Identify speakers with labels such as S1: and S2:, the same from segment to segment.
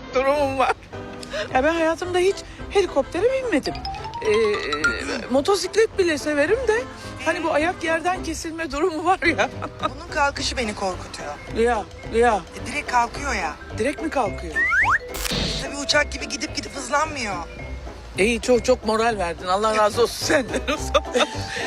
S1: durumum var. Ya ben hayatımda hiç helikoptere binmedim. Motosiklet bile severim de hani bu ayak yerden kesilme durumu var ya.
S2: Bunun kalkışı beni korkutuyor.
S1: Ya
S2: Direkt kalkıyor ya.
S1: direkt mi kalkıyor?
S2: Tabii uçak gibi gidip hızlanmıyor.
S1: İyi çok moral verdin. Allah razı olsun senden o zaman.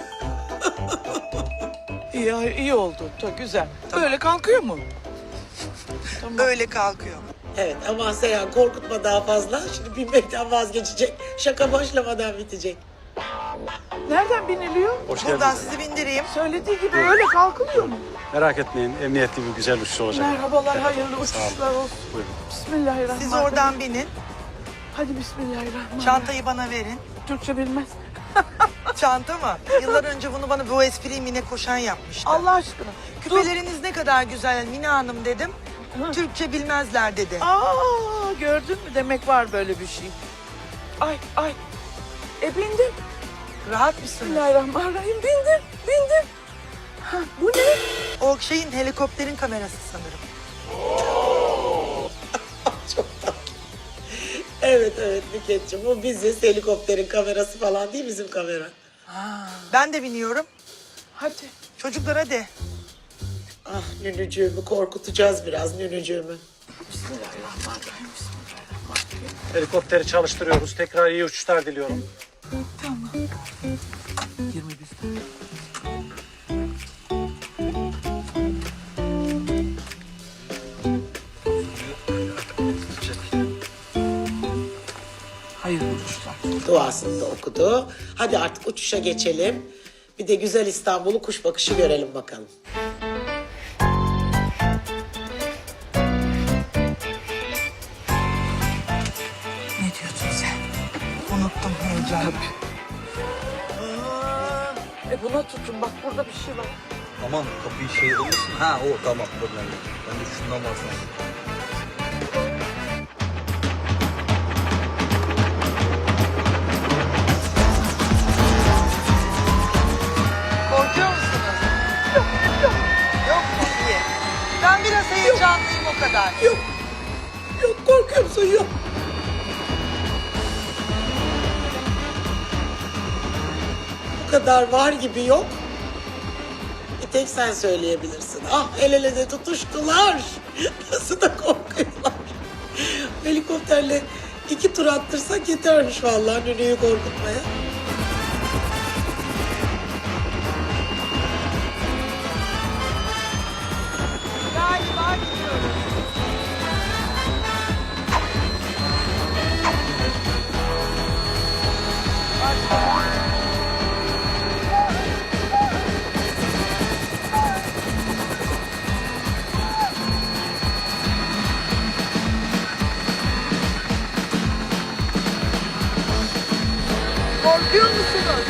S1: iyi oldu. Çok güzel.
S2: Tamam.
S1: Böyle kalkıyor mu? Tamam.
S2: Öyle kalkıyor.
S3: Evet ama Seyhan korkutma daha fazla. Şimdi binmekten vazgeçecek. Şaka başlamadan bitecek.
S1: Nereden biniliyor?
S4: Hoş
S2: Buradan
S4: geldiniz.
S2: sizi bindireyim.
S1: Söylediği gibi öyle kalkılıyor mu?
S4: Merak etmeyin, emniyetli bir güzel uçuş olacak.
S1: Merhabalar, hayırlı
S4: Sağ olun.
S1: uçuşlar olsun.
S4: Buyurun.
S1: Bismillahirrahmanirrahim.
S2: Siz oradan binin.
S1: Hadi bismillahirrahmanirrahim.
S2: Çantayı bana verin.
S1: Türkçe bilmez.
S2: Çanta mı? Yıllar önce bunu bana bu espriyi Mine Koşan yapmıştı.
S1: Allah aşkına.
S2: Küpeleriniz ne kadar güzel Mine Hanım dedim. Türkçe bilmezler dedi.
S1: Aa, gördün mü? Demek var böyle bir şey. Ay. Bindim.
S2: Rahat mısınız?
S1: Bismillahirrahmanirrahim. Bindim. Ha, bu ne?
S2: O şeyin helikopterin kamerası sanırım.
S3: Çok tatlı. Evet Nükhetciğim. O biziz. Helikopterin kamerası falan değil bizim kamera.
S2: Ben de biniyorum.
S1: Hadi.
S2: Çocuklar hadi.
S3: Ah nünücüğümü korkutacağız biraz nünücüğümü.
S1: Bismillahirrahmanirrahim.
S4: Helikopteri çalıştırıyoruz. Tekrar iyi uçuşlar diliyorum.
S1: Tamam. 21 tane. Hayırlı uçuşlar.
S3: Duasını da okudu. Hadi artık uçuşa geçelim. Bir de güzel İstanbul'u kuş bakışı görelim bakalım.
S1: Ne diyorsun sen?
S2: Unuttum heyecanı.
S1: Buna tutun bak burada bir şey var.
S5: Aman kapıyı şey olmasın. Ha o tamam problem yok. Ben de şundan bahsedeyim.
S2: Korkuyor musunuz? Yok mu? İyi. Ben biraz heyecanlıyım o kadar.
S3: Yok korkuyor musun? Yok. Bu kadar var gibi yok. Bir tek sen söyleyebilirsin. Ah el ele de tutuştular. Nasıl da korkuyorlar. Helikopterle 2 tur attırsak yetermiş vallahi nünüyü korkutmaya.
S2: Galiba gidiyoruz. Korkuyor musunuz?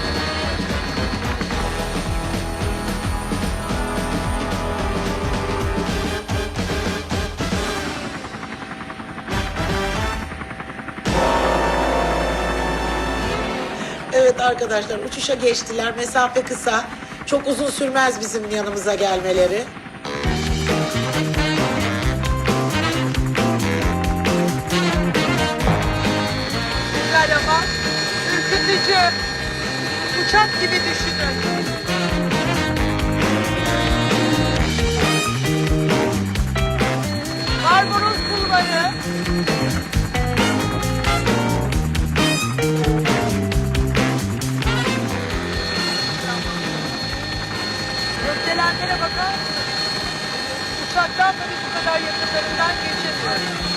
S3: Evet arkadaşlar uçuşa geçtiler. Mesafe kısa. Çok uzun sürmez bizim yanımıza gelmeleri.
S2: Güzel ama ürkütücü. Uçak gibi düşünün. Barbaros Bulvarı. Gökdelenlere bakar mısınız? Uçaktan da biz bu kadar yakınlarından geçemiyoruz.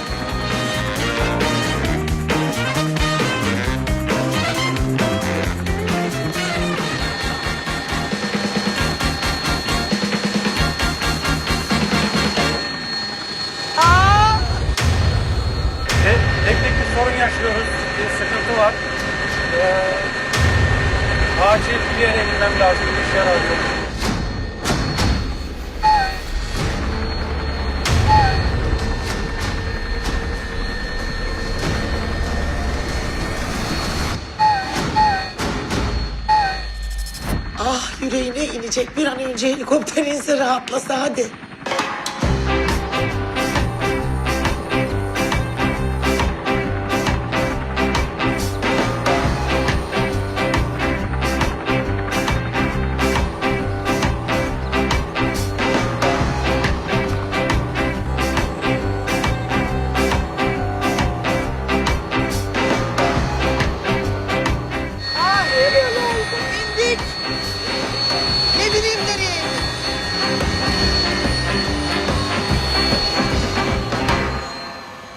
S4: Teknik bir sorun yaşıyoruz. Bir sıkıntı var. Acil bir yere inmem lazım. Bir şey arıyorum.
S3: Ah yüreğine inecek bir an önce helikopter inse rahatlasa hadi.